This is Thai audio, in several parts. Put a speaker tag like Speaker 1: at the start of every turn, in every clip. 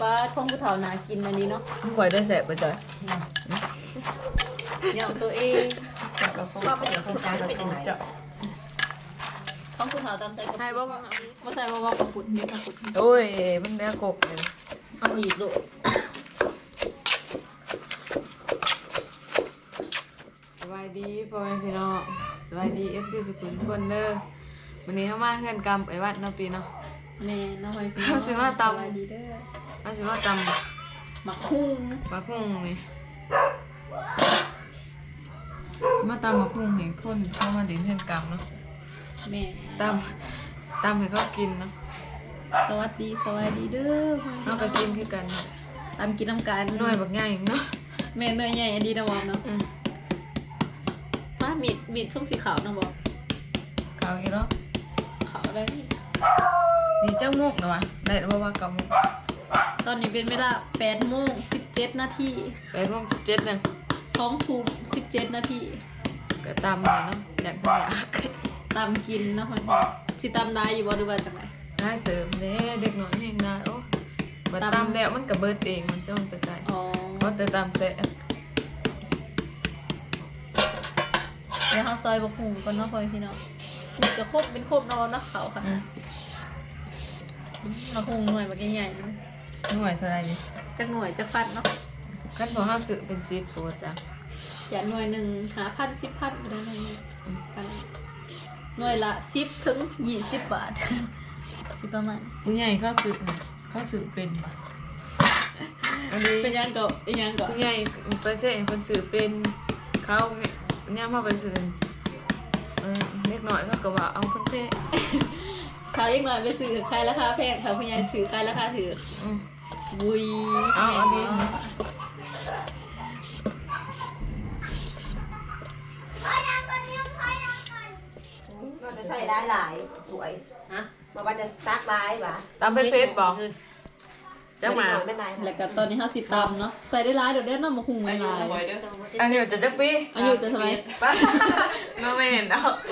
Speaker 1: ปลาท่องผู้เฒ่านากินอันนี้เนาะ
Speaker 2: คอยได้แสบไปจ้ะ
Speaker 1: อย่างตัวเอง
Speaker 3: ก็เป็นอย่างโครงการเป็นยังไง
Speaker 1: ท่องผู้เฒ่าตามใจกับ
Speaker 2: ให้บ่
Speaker 1: ใส่ว่ากระปุกนี่กระปุก
Speaker 2: โอ้ยมันเนื้อกบเลย
Speaker 1: เอาอีกลูก
Speaker 2: สบายดีพ่อแม่พี่น้องสบายดีFC สุขุมทุกคนเด้อวันนี้เข้ามาเฮือนกำไปวัดเนาะปีเนาะ
Speaker 1: แม่น้องหอยพี่
Speaker 2: เอาสิมาตำ
Speaker 1: สวัสดีเด้อ
Speaker 2: เอาสิว่าจำ
Speaker 1: หมักคุ้ง
Speaker 2: มาพุ่งนี่มาตำมาพุ่งเห็นคนเข้ามาดินเฮือนกำเนาะ
Speaker 1: แม่
Speaker 2: ตำให้เขากินเนาะ
Speaker 1: สวัสดีเด้อ
Speaker 2: เอาไปกินคือกัน
Speaker 1: ตามกินน้ำกัน
Speaker 2: หน่วยบักใหญ่เนาะ
Speaker 1: แม่เนยใหญ่อันดีนะวอมเนาะมามีดช่วงสีขาวนะบอก
Speaker 2: เขาอีกเนาะ
Speaker 1: ขาวได้
Speaker 2: นี่เจ้ามุกเนาะได้เพราะว่าเกามุก
Speaker 1: ตอนนี้เป็นเวลา8:17 นาที
Speaker 2: 8:17นึง
Speaker 1: 2 ทุ่ม 17 นาที
Speaker 2: ก็ตำเลยเนาะอยากได้อยาก
Speaker 1: ตามกินเนาะมันสิตามได้อยู่บ่ดูว่าจังได
Speaker 2: ได้เติมเด้เด็กน้อยเองนะโอ้มาตำแล้วมันก็เบิดเองมันจ้องไปใส่
Speaker 1: อ๋อ
Speaker 2: เพราะแต่ตำแซ่บ
Speaker 1: เดี๋ยวเฮาซอยบักหุ่งก่อนเนาะพ่อพี่น้องนี่ก็ครบเป็นครบนอนเนาะเขาค่ะบักหุ่งหน่วยบักใหญ่ๆนะ
Speaker 2: หน่วยเท่าไหร่นี่
Speaker 1: จักหน่วยจักฟัดเนาะ
Speaker 2: ขั้นพอห้ามซื้อเป็น10ตัวจ้ะ
Speaker 1: อย่าหน่วยหนึ่ง5,000 10,000ก็ได้นะกันหน่วยละ10ถึง20 บาท สิประมาณ
Speaker 2: ผู้ใหญ่เขาซื้อเป็นอันนี้
Speaker 1: เป็นยังก็อีหยังก็
Speaker 2: ผู้ใหญ่ไปเซ่คนซื้อเป็นเขาเนี่ยมาไปซื้อเล็กน้อยเขาก็ว่าเอาเพิ่นเท่
Speaker 1: เขายังน้อยไปซื้อขายราคาแพงเขาผู้ใหญ่ซื้อขายราคาถือวุย
Speaker 2: เอาอันนี้
Speaker 3: เราจะใส่ได้หลายสวยฮะมาว่าจะซักลายหวะ
Speaker 2: ตำเป็นเพชรบอกจังหมา
Speaker 3: ไม่นาย
Speaker 1: แล้วก็ตอนนี้เฮาสิตำเนาะใส่ได้หลายเดี๋ยวเด้เนาะมาหุงหลาย
Speaker 2: อันนี้จะปี
Speaker 1: อายุจะทำไม
Speaker 2: ป้าไม่เห็นดอก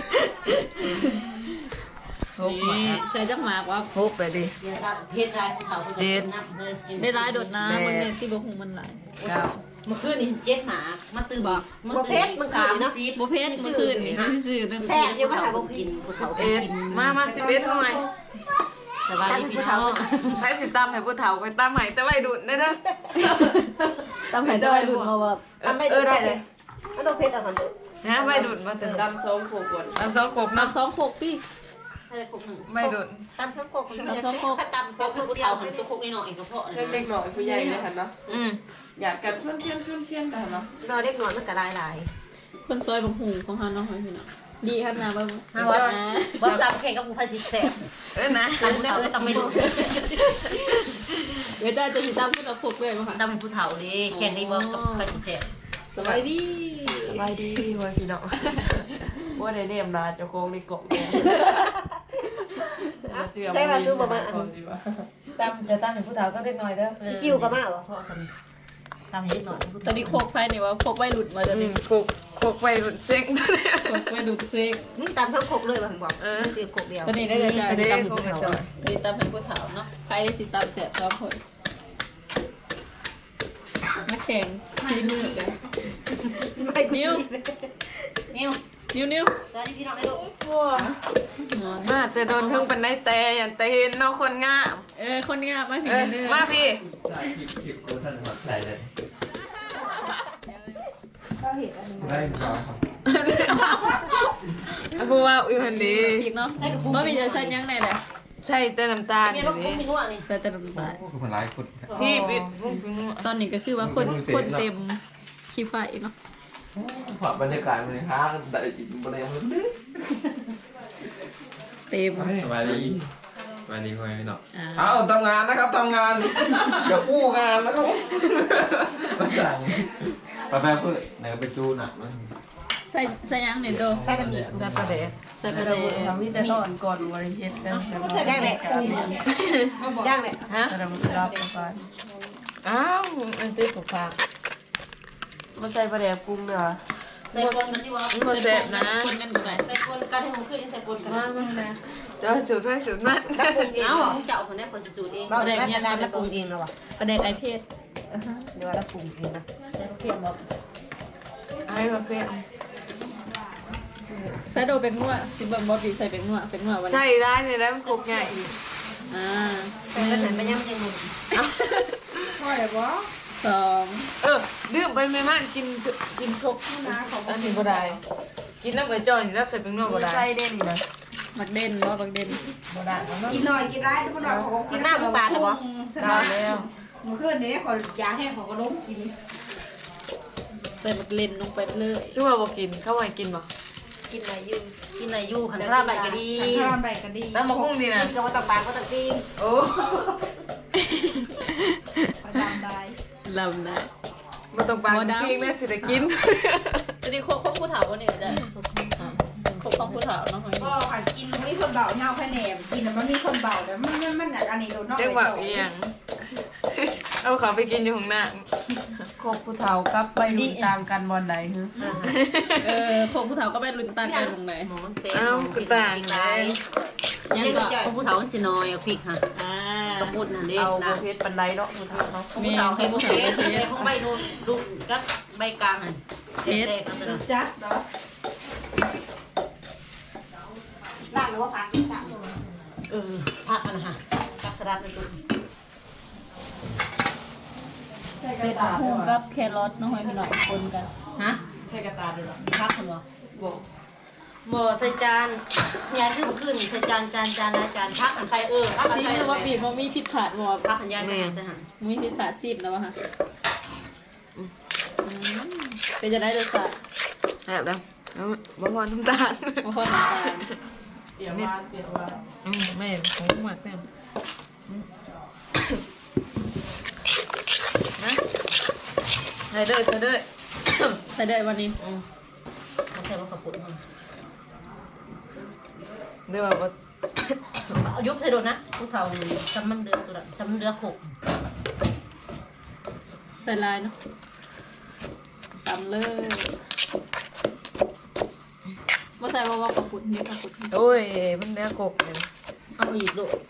Speaker 2: ทุกมา
Speaker 1: ใส่จักหมากว่า
Speaker 2: ทุกไปดิ
Speaker 3: เดี๋ยวเราเพชรลายภูเขาภูเขานับเลย
Speaker 1: ได้หลายโดดน้ำมันเนี่ยที่บ่หุงมันหลาย
Speaker 2: เก้า
Speaker 3: เมื่อคืนนี่เจ็ดหมามาตื่นบ่เพชรมึงคืนเนาะ
Speaker 1: บ่เพชรเมื่อคืนนี่ซื่อๆเด้อ
Speaker 3: แซ่บเยอะมากภูกินภูเขา
Speaker 2: เอ็ดมา11หน่อย
Speaker 3: สบายดีพี่น้อง
Speaker 2: ใช้สิตำให้ผู้เฒ่าไปตำให้แต่ไว้ดุได้เด้อ
Speaker 1: ตำให้ได้รุ่นมาว่า
Speaker 2: ได้เลย
Speaker 3: ไม่ต้องเพชรเอาคนเดียว
Speaker 2: นะไว้ดุมาถึงตำ2 ขวดตำ2 ขวด
Speaker 1: นั
Speaker 2: นั
Speaker 1: บบ2 6ติ
Speaker 3: ใช่คุกหนึ่ง
Speaker 2: ไม่ดุ
Speaker 3: ตำทั้งโคกคนเดียวถ้าตำโคกคนเดียวเป็นตัวโคกนี่หน่อยก็พอเลย
Speaker 4: เล็กๆหน่อยผู้ใหญ่เลยค่ะเนาะ
Speaker 2: อืม
Speaker 4: อยากกัดชุ่นเชี่ยนกันเนาะ
Speaker 3: นอนเล็กน้อยมันก็ลายลาย
Speaker 1: คนซอยบ่หุงของเฮาเนาะพี่น้องดีครับนะบ่
Speaker 3: มาว่าว่าตำแข่งกับภูเขาสิแซ่บ
Speaker 2: นะ
Speaker 3: ตำเขาตำไม่ดู
Speaker 1: เดี๋ยวจะสิตำผู้ตะพกเลยบ่ค่ะ
Speaker 3: ตำเป็นภูเขาดิแข่งในบอกกับภูเขาสิแซ่บ
Speaker 1: สบายดี
Speaker 4: สบายดีเว้ยพี่น้องว่าได้เรียมดาจะโค้งในกล่องเนี่ย
Speaker 3: ใช่มาดูประมาณ
Speaker 2: ตำจะตำให้ผู้เฒ่าก็เล็กน้อยเด้อ
Speaker 3: จิ้วก็มาเหรอพ่อทำให้หน่อย
Speaker 1: ตอนนี้โคกไฟนี่ว่าโคกไว้หลุดมาจะ
Speaker 2: อื
Speaker 1: นี่
Speaker 2: มโคกไปรุ่นเซ็ง
Speaker 1: โคกไว้หลุดเซ็ก
Speaker 3: นี่ตำทั้งโคกเลยมันบอกคือโคกเดียว
Speaker 1: ตอนนี้ได้เลยจ้ะ
Speaker 2: จะได้
Speaker 1: ตำให้
Speaker 2: โค
Speaker 1: ผู้
Speaker 2: กให้
Speaker 1: เฒ่า
Speaker 2: จอย
Speaker 1: นี่ตำให้ผู้เฒ่าเนาะใครได้สิตำแสบซ้อมผลมาแข่งทีมือกัน
Speaker 3: นิ้ว
Speaker 1: นิ้ว
Speaker 3: สวัสดีพี่น้องได้ดู
Speaker 1: นอน
Speaker 2: มาแต่โดนเพิ่งเป็นได้แต่อย่างแต่เห็นเนาะคนงาม
Speaker 1: คนงามมาผีเด้อ
Speaker 2: มาพี่
Speaker 5: ผิดกูท่านหัดใส่เลย ได้ครับ
Speaker 2: ผู้ว่าอุ้ยพันดี
Speaker 1: อีกเนาะบ่มีจะใส่ยังไงเลย
Speaker 2: ใช่แต่น้ำตาล
Speaker 3: มี
Speaker 2: อ
Speaker 3: ร
Speaker 2: ยู่
Speaker 3: ถ
Speaker 2: นี่
Speaker 3: มีนวดนี่
Speaker 1: ใส่แต่น้ำตาล
Speaker 5: คือคนร้ายคน
Speaker 2: ที่ปิด
Speaker 1: ตอนนี้ก็คือว่าคนเต็มขี้ไฟเนาะ
Speaker 5: ผ่านบรรยากาศมันเลยฮะได้อีกบรรยากาศมัน
Speaker 1: เต็ม
Speaker 5: สบายดีสบายดีพ่อแม่พี่น้อง
Speaker 1: อ่า
Speaker 5: เอาทำงานนะครับทำงานอย่าพูดงานนะครับไปเพื่อไหนไปจูหนักมั้ง
Speaker 1: ใส่ยังเนี่ยโด
Speaker 3: ใช่กันมี
Speaker 2: ซาปาเดะ
Speaker 1: ใส่ไปเลย
Speaker 4: เรามีแต่ก่อนบริเทศกัน
Speaker 3: ย่างเลยย่างเลย
Speaker 2: ฮะ
Speaker 4: เรารับประทาน
Speaker 2: อ้าวมันติดถูกทาง
Speaker 4: มาใส่ปลาแดกปรุงเด้อ
Speaker 3: ใส่ปนกันที่ว่า
Speaker 2: มันเสร็จนะ
Speaker 1: คนกันดูไง
Speaker 3: ใส่ปนกันให้ผมขึ้นใส่ปนกัน
Speaker 2: มามานะจะสูตรให้สูตรมัน
Speaker 3: แล้วปรุงเอง
Speaker 1: เอา
Speaker 3: เหรอ
Speaker 1: ของเจ้าคนนี้คนสูตรเอง
Speaker 3: เราได้แม่นานแล้วปรุงเองเหรอวะ
Speaker 1: ประเด็นไอเพศ
Speaker 3: เดี๋ยวเราปรุงเองนะ
Speaker 1: ใส่เพียงบอก
Speaker 2: ไอ้ประเภท
Speaker 1: ใส่โดเป็นงัวสิเบิ่งบอบีใส่เป็นงัววัน
Speaker 2: ใช่ได้เลยแล้วมันครบง่ายอีก
Speaker 3: แต่ก็เห็นไปยังยัง
Speaker 1: สอง
Speaker 2: ดื่มไปไม่มากกินครบอันนี้บ่ได้กินน้ำเหมือนจอยแล้วใส่เป็นนวดบ่ได้
Speaker 4: ใส่เด่นเลย
Speaker 1: มักเด่นบ่มักเด่น
Speaker 4: บ่ได้แล้วเนาะ
Speaker 6: กินหน่อยกินร้ายทุกคนบอกของ
Speaker 3: กินหน้าปลาเหรอวะ
Speaker 6: ส
Speaker 2: ได้
Speaker 6: บาย
Speaker 2: แล้ว
Speaker 6: เมื่อคืนนี้ขอยาแห้งของกระล้มกิน
Speaker 1: ใส่มักเล่นลงไปเลย
Speaker 2: คือว่าบ่กินเข้าไปกินบ่
Speaker 3: กินอะไรอยู่
Speaker 1: กินอะไรอยู่ขันพลาดไปก็ดี
Speaker 6: ทานใบกระดี
Speaker 2: แล้วมาคุ้งดีนะ
Speaker 3: กินกับว่าตับปลาก็ตับกิน
Speaker 2: โอ้
Speaker 6: ประดำได้
Speaker 1: ลำนะ
Speaker 2: มาต้องปลาปิ้งแม่สิได้กิน
Speaker 1: จะดีโคกผู้ถาวนี่ก็ได้โคกของผู้ถาวเนาะ
Speaker 6: ก็ขันกินไม่คนเบาเน่าแค่แหนมกินแล้วมันมีคนเบาแต่มันอยากอันนี้โดนนอก
Speaker 2: จังหวะอีหยังเอาเขาไปกินอยู่ข้างหน้า
Speaker 4: โคกผู้เฒ่ากับใบดุนต่างกันบอลใดฮึ
Speaker 1: โคกผู้ถาวก็ไปลุนตันไปลงไหน
Speaker 2: เอ้ากูต่างไง
Speaker 1: ยังก็โคกผู้ถาวมันสิน้อยเอาพริกค่ะกระปุกนั่นเอง
Speaker 4: เอา
Speaker 1: นะ
Speaker 4: ประเภทปันไดเนาะผู้เฒ่าเนาะ
Speaker 1: มีให้ผู้ถาวเป็นเพชร
Speaker 7: ใบนูนดูกับใบกลางอ่ะ
Speaker 1: เพชร
Speaker 7: เด็กกันเลย
Speaker 6: จัดเนาะ
Speaker 3: ล่างหรือว่าผักกินสั่ง
Speaker 7: พักมันค่ะกักสลัดเป็นตัว
Speaker 1: เด็ดพุงกับแครอทน้องหอยพี่น้องคนกัน
Speaker 7: ฮะ
Speaker 4: ใส่กระตาด้วยเหรอ
Speaker 7: พักคนวะบ่ใส่จานยายขึ้นใส่จานนะจานพักอันใส่พักอัน
Speaker 1: ซี
Speaker 7: ใส่
Speaker 1: มือว่าบีบมันมีผิดพลาดบ่
Speaker 7: พักอันยายใส่ใส่หัน
Speaker 1: มีผิดพลาดซีบนะวะฮะเป็นจะได้รสชาติ
Speaker 2: แบบแล้วบ่พอน้ำตาล
Speaker 1: มาคนน้ำตาล
Speaker 4: เปลี่ยนว่าเปลี่ยนว่า
Speaker 2: แม่ของหมักแม่นะใส่เลยใส่เลย
Speaker 1: ใส่ได้วันนี้
Speaker 7: มันใส่ว่ากระปุกมัน
Speaker 2: เดี๋ยวว่า
Speaker 7: เอายุบใส่โดนนะผู้เฒ่าจำมันเดือตัวละจำเดือขก
Speaker 1: ใส่ลายเนาะตำเลยมาใส่ว่ากระปุกนี่กระปุก
Speaker 2: โอ้ยมันเนื้อกบเลย
Speaker 7: เอาอีกลูก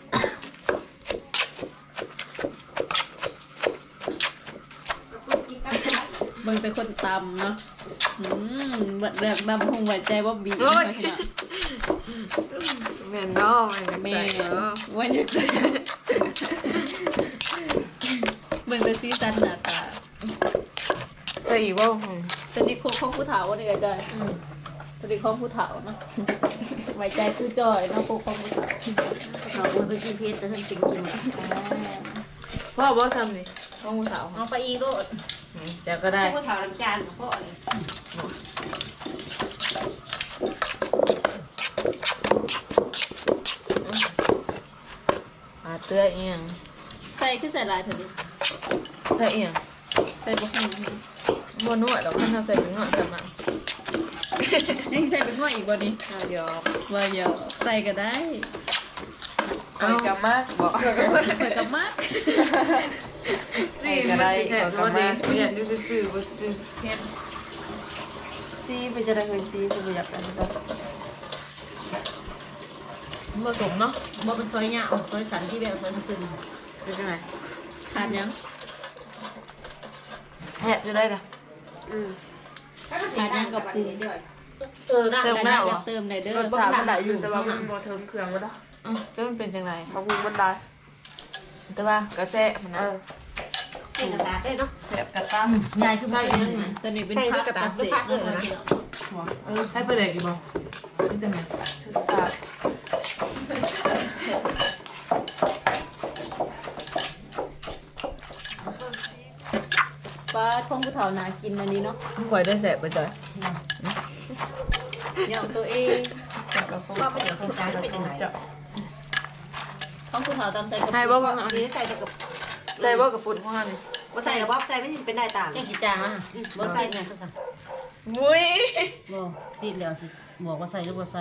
Speaker 1: เบิ่งแต่คนตำเนาะบัดแรกดำคงไหวใจว่าบีพี่น้อง
Speaker 2: แม่นเนาะแม่
Speaker 1: แม่
Speaker 2: ใส่เนาะ
Speaker 1: วันอยากใส่เบิ่งแต่ซีซันหน้าตา
Speaker 2: ใส่อีกว่า
Speaker 1: ตอนนี้โคกของผู้เฒ่าวันนี้ก็ได้ตอนนี้ของผู้เฒ่าเนาะไว้ใจผู้จอยเนาะโคกของผู้เฒ่า
Speaker 7: เอาคนไปกินเพชรแต่ท่านจริงจริง
Speaker 2: พ่อบอกทำนี่พ่อมูสาว
Speaker 7: เอาไปอีกลูก
Speaker 2: เดี๋ยวก็ได้
Speaker 3: ผู้เฒ่าน้ำจานของพ่อเลย
Speaker 2: เตื้อเอียง
Speaker 1: ใส่คือใส่ลายเถอะดิ
Speaker 2: ใส่เอียง
Speaker 1: ใส่บุกหนึ่ง
Speaker 2: บนนวดเราขึ้นเราใส่เป็นนวดทำไม
Speaker 1: นี่ใส่เป็นว่าอีกบ่นี้
Speaker 2: เดี๋ยว
Speaker 1: ว่าเยอะใส่ก็ได้
Speaker 2: เอากับมากบอก
Speaker 1: เปิดกับมาก
Speaker 2: สี่ก็ได้เอากับมากไม่อยากดูซื่อๆว่าซื่อ
Speaker 4: ซีไปจะได้เงินซีไปอยากได้ก็
Speaker 2: ผสมเนาะ
Speaker 7: บ่เป็นซอยเนี่ยซอยสันที่แบบซอยขึ้น
Speaker 2: เป็นยังไง
Speaker 1: ขาดยัง
Speaker 2: แหะจะได้ละ
Speaker 1: ขาดยังกับปรุง
Speaker 7: น่า
Speaker 2: เติม
Speaker 7: ได้
Speaker 2: หน้า
Speaker 1: อ
Speaker 2: เหร
Speaker 1: ยา
Speaker 2: อก
Speaker 1: เติมได้เด้
Speaker 4: ร
Speaker 1: อ
Speaker 4: สชาติมันได้อยู่แต่ว่ามันบ่เทิมเครื่องก็ได้
Speaker 2: ก็มันเป็นยังไง
Speaker 4: บางคนมันได้
Speaker 2: แต่ว่ากระแสมันนะ
Speaker 3: ใส่กระดาษได้เนาะ
Speaker 4: แสบกระตั้ง
Speaker 7: ยายคือไม่ยังไง
Speaker 1: ตอนนี้เป็น
Speaker 3: ใส่
Speaker 1: พั
Speaker 3: ด้ว
Speaker 1: ก
Speaker 3: ยกระ
Speaker 1: เก
Speaker 3: ดาษ
Speaker 1: ษ
Speaker 3: ด้วย
Speaker 1: ต
Speaker 3: พั
Speaker 1: ร
Speaker 3: กเลยนะ
Speaker 2: ให้ไปเลยกี่โมงเป็นยังไง
Speaker 4: ชุดสาด
Speaker 1: ปลาท่องผู้เฒ่านากินอันนี้เนาะ
Speaker 2: มึงคอยได้แสบไปจ่อย
Speaker 1: อย่างตัวเอง
Speaker 3: ว่าไปเดี๋ยวโครงการเป็นยังไง
Speaker 1: ท่องผู้เฒ่าตามใส่กระ
Speaker 2: ให้
Speaker 1: ปุ
Speaker 2: บ่
Speaker 1: ก
Speaker 3: อันนี้ใส่กับ
Speaker 2: ใส่บ่กับปุ่นของเรานี่
Speaker 3: ว่าใส่หรือว่าใส่ไม่เป็นได้ต่าง
Speaker 7: ยังกี่จานอ่ะบ่ซีดไงก็ใส่
Speaker 2: มุ้ย
Speaker 7: บ่ซีดแล้วสิบอกว่าใส่หรือว่าใส่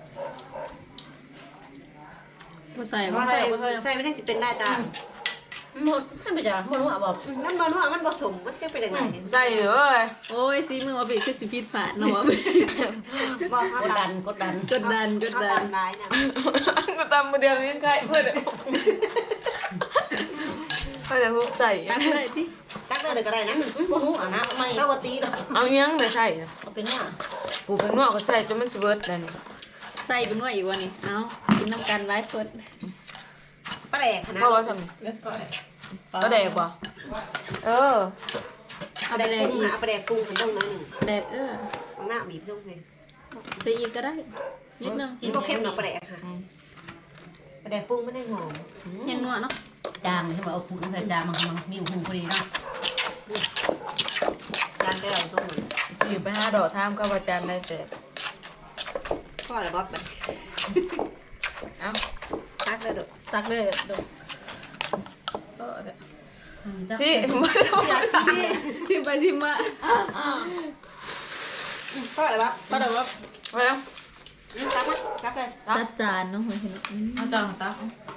Speaker 1: ผู้ใส่
Speaker 3: ว่าใส่ไม่ได้เป็นได้ต่าง
Speaker 7: หมดนั่นไปจ้ะหมดหัวบอก
Speaker 3: น้ำมันว่ามันผสมมันจะเป็นยังไง
Speaker 2: ใส่เลย
Speaker 1: โอ้ยซีมือว่าบีคือสิพิษฝาดเนาะว่าบี
Speaker 3: บอก
Speaker 7: กดดันกดดัน
Speaker 1: กดดันกดดัน
Speaker 3: ร้ายนะ
Speaker 2: กูตำมาเดียวยังไงเพื่อนก็จะทุบใส่
Speaker 1: ตักเลยที่
Speaker 3: ตักเลยก็ได้นะ
Speaker 7: ก็รู้อ่ะนะไม่
Speaker 3: ข้าวตีดอก
Speaker 2: เอายังไม่ใส่
Speaker 7: ก็เป็นว่า
Speaker 2: ปูเป็นงอกก็ใส่จนมันสเบิร์ดเลยนี่
Speaker 1: ใส่เป็นว่าอีกวันนี้เอากินน้ำกันไลฟ์สด
Speaker 3: ปลาแดกนะ
Speaker 2: เพราะว่าทำก็แดกว่ะเออ
Speaker 1: เอา
Speaker 3: ป
Speaker 1: ไป
Speaker 3: ลาแด
Speaker 1: แด
Speaker 3: ก
Speaker 1: ก
Speaker 3: กุ้ง
Speaker 1: อีก
Speaker 3: ปลาแดกกุ้งมันต้องน้อยหนึ่ง
Speaker 1: แดก
Speaker 3: หน้าบีบต้องเลย
Speaker 1: ใส่อีกก็ได้นิดนึง
Speaker 3: พวกเข้มหน่อปลาแดกค่ะปลาแดกกุ้งไม่ได้หอม
Speaker 1: ยังนัวเนาะ
Speaker 7: จางใช่ไหมเอาผูใส่จางมันมีหูพอดีเนาะ
Speaker 3: จานได้เราต้องเหมือน
Speaker 2: อยู่ไปหาดอกทามกับอาจารย์ได้เสร็จ
Speaker 3: พ่ออะไรบ๊อบแบบ
Speaker 2: เอ้า
Speaker 3: ตักเลยดอก
Speaker 1: ตักเลยดู
Speaker 2: สิ
Speaker 1: ชิมไปชิมมา
Speaker 3: พ่ออะไรบ๊อบ
Speaker 1: ก็แต่ว่า
Speaker 2: ไปแล้ว
Speaker 3: ตักมั้ยตักเลย
Speaker 1: จัดจานเนาะเห็น
Speaker 2: เอาจานตัก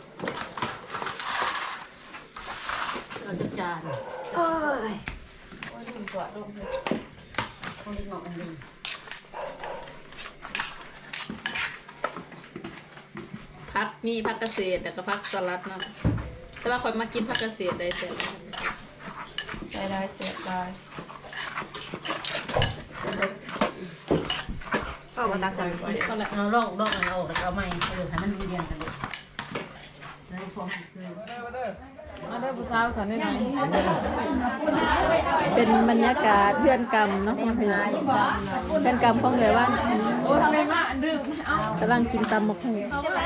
Speaker 7: เราจะจาน
Speaker 3: โอ้ย
Speaker 7: คนที่เหมาะกันดี
Speaker 1: พักมีพักเกษตรแต่ก็พักสลัดเนาะแต่ว่าคนมากินพักเกษตรได้เสร็จ
Speaker 2: ใส่ได้เสร็จได้
Speaker 3: พ่อมาตักใส่
Speaker 1: ก็แหละ
Speaker 7: เราลอกมันออกแล้วเอาไม่ให้มันเรียนกันเลยได้พร้อมซื้อ
Speaker 2: มาได้ผู้สาวเขาได้ไหน
Speaker 1: เป็นบรรยากาศเพื่อนกรรมเนาะพี่น้องเพื่อนกรรมของเลยว่า
Speaker 2: โอ้ทำไมมาอันดื่ม
Speaker 1: กำลังกินตำมะฮุง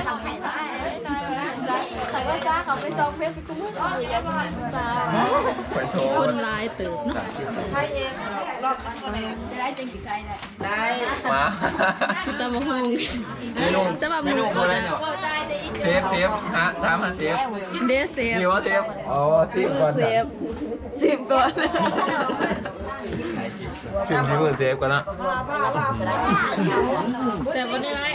Speaker 5: ไปโชว์
Speaker 1: คนร้ายเติบเนาะ
Speaker 3: ให้เองรอบปลาแดกได้จริงกี่ใจได้
Speaker 5: มา
Speaker 1: กินตำมะฮุง
Speaker 5: เมนู
Speaker 1: จะมา
Speaker 5: เมนูอะไรเนาะเชฟฮะถามหาเชฟ
Speaker 1: เดซเซฟ
Speaker 5: มีว่าเชฟอ๋อชิมก่อน
Speaker 1: เซ
Speaker 5: จ้ะ
Speaker 1: ฟ
Speaker 2: สิบก่อน
Speaker 5: ชิมมือเชฟก่อนนะ
Speaker 1: เซฟวันนี้ไหม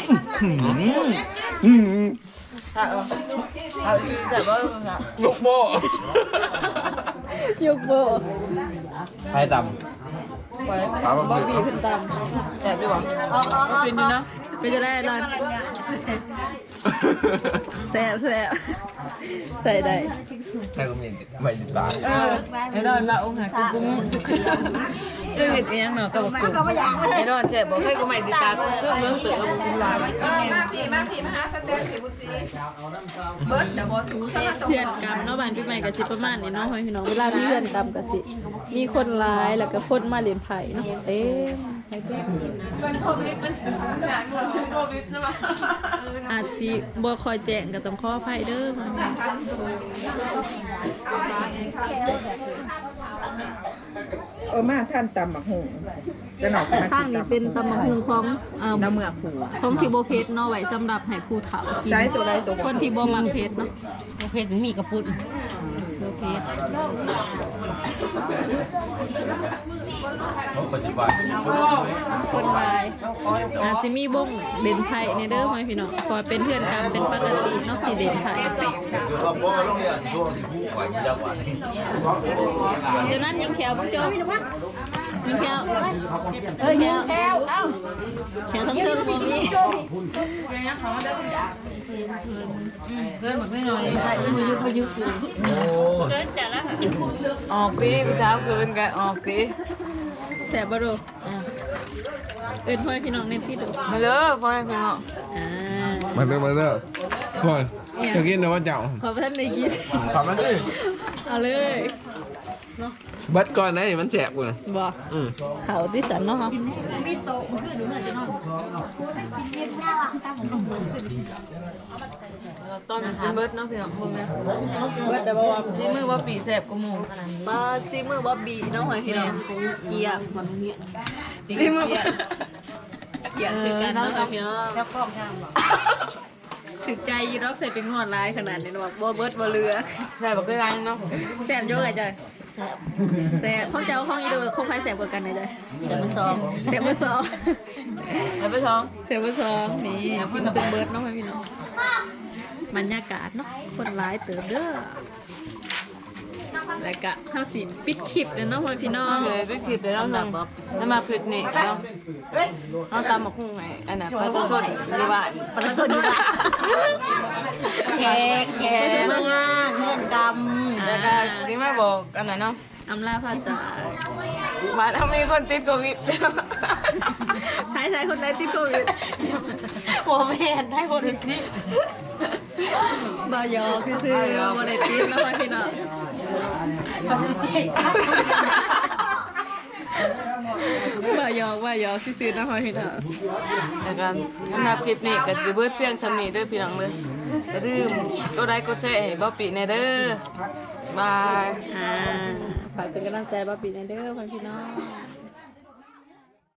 Speaker 2: เอาอีกแต่ว่า
Speaker 5: ลูกโม่
Speaker 1: ยกโบ
Speaker 5: ไข่ดำปลา
Speaker 1: บอบ
Speaker 5: ะห
Speaker 1: บี้
Speaker 5: มี่
Speaker 1: ขึ้นต
Speaker 2: แซ่บดีกว่า
Speaker 1: ำเป็นดีนะเป็นจะได้ร้านแซบแซบใส่ได้
Speaker 5: ไข่ก็มีไม่ติดปาก
Speaker 2: ไอ้ดอนมาองค์หาคือกูมึงจะเห็ดเองเนาะกับบอกสูไอ้ดอนเจ็บบอกให้กูใหม่ติดตากูซึ่งเรื่องตื่นกูกินลาย
Speaker 6: มาผีมาหาสเต็ปผีบุตรีเบิร์ดเดี๋ยวบอถูสมาส่ง
Speaker 1: เพื่อนกรรมเนาะบ้านพี่ใหม่กับสิประมาณนี้เนาะพี่น้องเวลามีเพื่อนกรรมกับสิมีคนร้ายแล้วก็คนมาเรียนไผ่เนาะเต็มให้เต็ม
Speaker 6: มันโควิดมันถึงหนักเลยโควิดนะมั้ง
Speaker 1: อาจสิบ่คอยแจ้งก็ต้องขออภัยเด้อ
Speaker 6: มาท่านตำหมักหงจะหนอกมา
Speaker 1: ทางนี้เป็นตำมะฮุงของ
Speaker 6: น้ำเมือกหู
Speaker 1: ของที่บ่เผ็ดเนาะไว้สำหรับให้ผู้เฒ่ากิน
Speaker 6: ใช้ตัวใดตัว
Speaker 1: คนที่บ่มักเผ็ดเนาะ
Speaker 7: โอเคถึงมีกระปุก
Speaker 1: บ่เผ็ด
Speaker 5: ปัจจุบัน
Speaker 1: คนร้ายอาจสิมีบ้งเด่นไผ่ในเด้อพ่อพี่น้องเพอเป็นเพื่อนกันเป็นปกติเนาะที่เด่นไผ่
Speaker 5: คือว่าพ่อโรงเรียนช่วงที่ผู้ข่อยมีจังหวัด
Speaker 1: เดี๋ยวนั้นยิงแขวเพิ่งเจอยิงแขวยิงแขวแขวทั้งเทิงบ่มี
Speaker 2: เรื่องหมดไม่น้อย
Speaker 1: พายุอยู่
Speaker 5: โอ้
Speaker 2: ออกปีผู้สาวคืนกันออกปี
Speaker 1: แสบบ่ดูเอิ้นพ่อพี่น้องเน้นที่ดู
Speaker 2: มาเลยพ่อให้คุณเนาะ
Speaker 5: มาเด้อช่วยจะกินนะว่าเจ้า
Speaker 1: ขอพระท่านได้กิน
Speaker 5: ขอบมันสิ
Speaker 1: เอาเลย
Speaker 5: เบิดก่อนนะมันแฉกกูนะ
Speaker 1: บ่เขาที่สันเนาะ
Speaker 2: ตอนกินเบิร์ดเนาะพี่น้องพวกนี้เบิร์ดแต่ว่าซีมือว่าปีแสบกูมูขนาดนี้
Speaker 1: บ่ซีมือบ่บีเนาะพี่น้องเกียร์มันเหี้ย
Speaker 2: ซีมือ
Speaker 1: เกียร์คือกันเนาะพี่น้อง
Speaker 7: แล้วกล้องข้างบอก
Speaker 1: ถึกใจยีรอกใส่เป็นงอดลายขนาดนี้เนาะบ่เบิดบ่เรือ
Speaker 2: ใส่บอกได้ไรเนาะ
Speaker 1: แซ่บเยอะเลยจ้ะ
Speaker 7: แซ่บ
Speaker 1: แซ่บของเจ้าของอีดูคงใครแซ่บกว่ากันเลยจ้ะ
Speaker 7: แต่มันซอง
Speaker 1: แซ่บเบอร์สอง
Speaker 2: แล้วไปท้อง
Speaker 1: แซ่บเบอร์สองนี่กินจนเบิดเนาะพี่น้องบรรยากาศเนาะคนร้ายเติบเด้อแล้วก็เฮาสิปิดคลิปเลยเนาะพ่อพี่น้อง
Speaker 2: เลยไปคลิปเดี๋ยวเราหนึ่งจะมาคลิปนี้เนาะเราตามมาคุ้งไงอันน่ะปลาสดๆดีว่าปลาสดดีว่า
Speaker 7: แขกมางานเพื่อนกรรม
Speaker 2: แล้วก็สิมาบอกอันนั้นเนาะ
Speaker 1: อำลาพระจาก
Speaker 2: มาถ้ามีคนติดโควิด
Speaker 1: ท้ายคนใดติดโควิด
Speaker 7: หัวแม่ได้คนที่
Speaker 1: บ่ยอคือซื้อบ่ได้ติดเนาะพ่อพี่น้อง
Speaker 7: ปัจจัย
Speaker 1: บ่ยอคือซื้อเนาะพ่อพี่น้อง
Speaker 2: แล้วก็สำหรับคลิปนี้ก็สิเบิดเพียงสำนี้เด้อพี่น้องเลยอย่าลืมกดไลค์กดแชร์ให้บ่ปีแน่เด้อบาย
Speaker 1: ฝากเป็นกำลังใจบ่ปีนเด้อพ่อพี่น้อง